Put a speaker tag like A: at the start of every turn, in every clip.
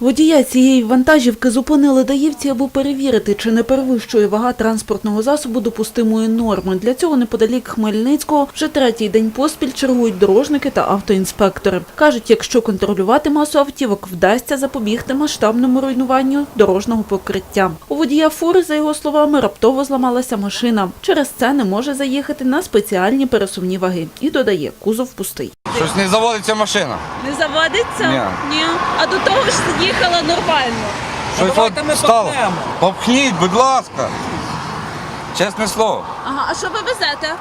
A: Водія цієї вантажівки зупинили даївці, аби перевірити, чи не перевищує вага транспортного засобу допустимої норми. Для цього неподалік Хмельницького вже третій день поспіль чергують дорожники та автоінспектори. Кажуть, якщо контролювати масу автівок, вдасться запобігти масштабному руйнуванню дорожнього покриття. У водія фури, за його словами, раптово зламалася машина. Через це не може заїхати на спеціальні пересувні ваги. І додає, кузов пустий.
B: Щось не заводиться машина.
C: Не заводиться? Ні. А до того ж їхала нормально.
B: Щось от стало. Попхніть, будь ласка. Чесне слово.
C: Ага, а що ви везете?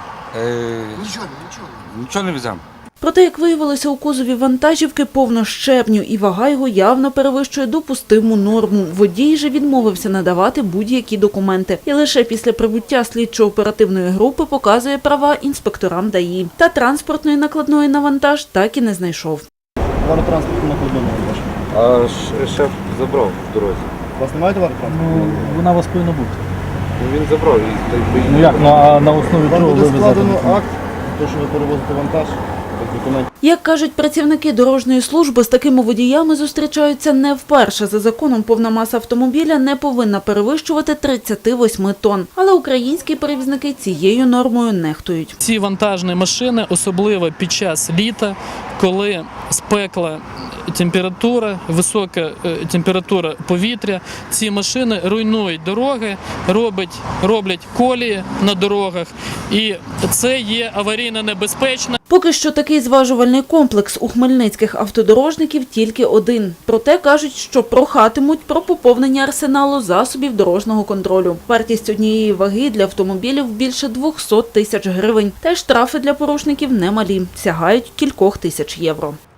B: Нічого не веземо.
A: Проте, як виявилося, у кузові вантажівки повно щебню, і вага його явно перевищує допустиму норму. Водій же відмовився надавати будь-які документи. І лише після прибуття слідчо-оперативної групи показує права інспекторам ДАІ. Та транспортної накладної на вантаж так і не знайшов.
D: Товаротранспортну накладну на вантаж.
B: А шеф забрав в дорозі.
D: У вас немає товаротранспорту?
E: Вона у вас повинна бути.
B: Він забрав.
E: Ну як, а на основі
D: Вам
E: чого
D: буде
E: ви везете?
D: складено акт, то, що ви перевозите вантаж, без документів.
A: Як кажуть працівники дорожньої служби, з такими водіями зустрічаються не вперше. За законом повна маса автомобіля не повинна перевищувати 38 тонн. Але українські перевізники цією нормою нехтують.
E: Ці вантажні машини, особливо під час літа, коли спекла температура, висока температура повітря, ці машини руйнують дороги, роблять колії на дорогах, і це є аварійно небезпечно.
A: Поки що такий зважувальний комплекс у хмельницьких автодорожників тільки один. Проте кажуть, що прохатимуть про поповнення арсеналу засобів дорожнього контролю. Вартість однієї ваги для автомобілів більше 200 тисяч гривень. Та й штрафи для порушників немалі – сягають кількох тисяч євро.